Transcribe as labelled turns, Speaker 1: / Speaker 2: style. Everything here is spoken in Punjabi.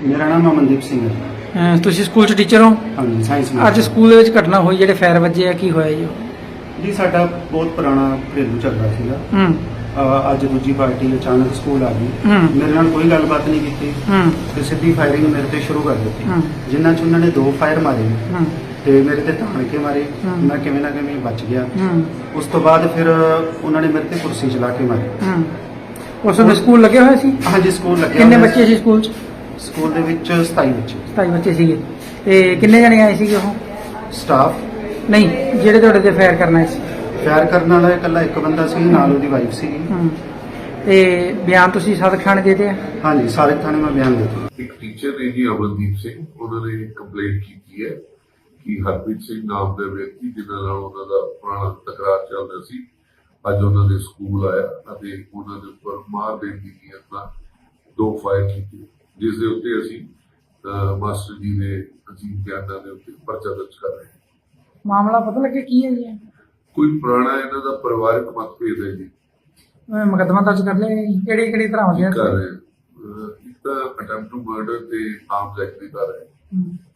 Speaker 1: ਮੇਰਾ ਨਾਮ ਅਮਨਦੀਪ ਸਿੰਘ ਹੈ।
Speaker 2: ਤੁਸੀਂ ਸਕੂਲ 'ਚ ਟੀਚਰ ਹੋ?
Speaker 1: ਹਾਂਜੀ, ਸਾਇੰਸ
Speaker 2: ਅੱਜ ਸਕੂਲ ਦੇ ਵਿੱਚ ਘਟਨਾ ਹੋਈ, ਜਿਹੜੇ ਫਾਇਰ ਵੱਜੇ ਆ, ਕੀ ਹੋਇਆ ਜੀ?
Speaker 1: ਜੀ ਸਾਡਾ ਬਹੁਤ ਪੁਰਾਣਾ ਘਰੇਲੂ ਝਗੜਾ ਸੀਗਾ। ਅੱਜ ਦੂਜੀ ਪਾਰਟੀ ਅਚਾਨਕ ਸਕੂਲ ਆ ਗਈ। ਮੇਰੇ ਨਾਲ ਕੋਈ ਗੱਲਬਾਤ ਨਹੀਂ ਕੀਤੀ ਤੇ ਸਿੱਧੀ ਫਾਇਰਿੰਗ ਮੇਰੇ ਤੇ ਸ਼ੁਰੂ ਕਰ ਦਿੱਤੀ, ਜਿਨ੍ਹਾਂ 'ਚ ਉਹਨਾਂ ਨੇ 2 ਫਾਇਰ ਮਾਰੇ ਤੇ ਮੇਰੇ ਤੇ ਤਾਣ ਕੇ ਮਾਰੇ। ਮੈਂ ਕਿਵੇਂ ਨਾ ਕਿਵੇਂ ਬਚ ਗਿਆ। ਉਸ ਤੋਂ ਬਾਅਦ ਫਿਰ ਉਹਨਾਂ ਨੇ ਮੇਰੇ ਤੇ ਕੁਰਸੀ ਚਲਾ ਕੇ ਮਾਰੀ।
Speaker 2: ਉਸ ਵੇਲੇ ਸਕੂਲ ਲੱਗੇ ਹੋਏ ਸੀ?
Speaker 1: ਹਾਂਜੀ, ਸਕੂਲ ਲੱਗਿਆ।
Speaker 2: ਕਿੰਨੇ ਬੱਚੇ ਸੀ ਸਕੂਲ 'ਚ?
Speaker 1: ਸਕੂਲ ਦੇ ਵਿੱਚ 27 ਬੱਚੇ।
Speaker 2: 27 ਬੱਚੇ ਸੀਗੇ। ਤੇ ਕਿੰਨੇ ਜਣੇ ਆਏ ਸੀਗੇ ਉਹ?
Speaker 1: ਸਟਾਫ
Speaker 2: ਨਹੀਂ, ਜਿਹੜੇ ਤੁਹਾਡੇ ਤੇ ਫਾਇਰ ਕਰਨ ਆਏ ਸੀ?
Speaker 1: ਫਾਇਰ ਕਰਨ ਵਾਲਾ ਇਕੱਲਾ ਇੱਕ ਬੰਦਾ ਸੀ, ਨਾਲ ਉਹਦੀ ਵਾਈਫ ਸੀ।
Speaker 2: ਤੇ ਬਿਆਨ ਤੁਸੀਂ ਸਦਕ ਥਾਣੇ ਦੇ ਦਿੱਤੇ ਆ?
Speaker 1: ਹਾਂਜੀ, ਸਾਰੇ ਥਾਣੇ ਮੈਂ ਬਿਆਨ ਦੇ ਦਿੱਤਾ।
Speaker 3: ਇੱਕ ਟੀਚਰ ਨੇ ਜੀ ਅਮਨਦੀਪ ਸਿੰਘ, ਉਹਨਾਂ ਨੇ ਕੰਪਲੇਂਟ ਕੀਤੀ ਹੈ ਕਿ ਹਰਪ੍ਰੀਤ ਸਿੰਘ ਨਾਮ ਦੇ ਵਿਅਕਤੀ ਜਿਨ੍ਹਾਂ ਨਾਲ ਉਹਨਾਂ ਦਾ ਪੁਰਾਣਾ ਤਕਰਾਰ ਚੱਲਦਾ ਸੀ, ਅੱਜ ਉਹਨਾਂ ਦੇ ਸਕੂਲ ਆਇਆ ਅਤੇ ਉਹਨਾਂ ਦੇ ਉੱਪਰ ਮਾਰ ਦੇਣ ਦੀ ਨੀਅਤ ਨਾਲ 2 ਫਾਇਰ ਕੀਤੇ, ਜਿਸ ਦੇ ਉੱਤੇ ਅਸੀਂ ਮਾਸਟਰ ਜੀ ਦੇ ਅਜੀਬ ਬਿਆਨਾਂ ਦੇ ਉੱਤੇ ਪਰਚਾ ਦਰਜ ਕਰ ਰਹੇ ਹਾਂ।
Speaker 2: ਮਾਮਲਾ ਪਤਾ ਲੱਗਿਆ ਕੀ ਹੈ ਜੀ?
Speaker 3: ਕੋਈ ਪੁਰਾਣਾ ਇਹਨਾਂ ਦਾ ਪਰਿਵਾਰਕ ਮਤਭੇਦ ਹੈ ਜੀ।
Speaker 2: ਮੁਕੱਦਮਾ ਦਰਜ ਕਰ ਲਿਆ? ਕਿਹੜੀ ਧਾਰਾਵਾਂ
Speaker 3: ਕਰ ਰਹੇ ਇੱਕ ਤਾਂ ਅਟੈਂਪਟ ਟੂ ਮਰਡਰ ਤੇ ਆਰਮਸ ਐਕਟ ਦੀ ਧਾਰਾ ਹੈ।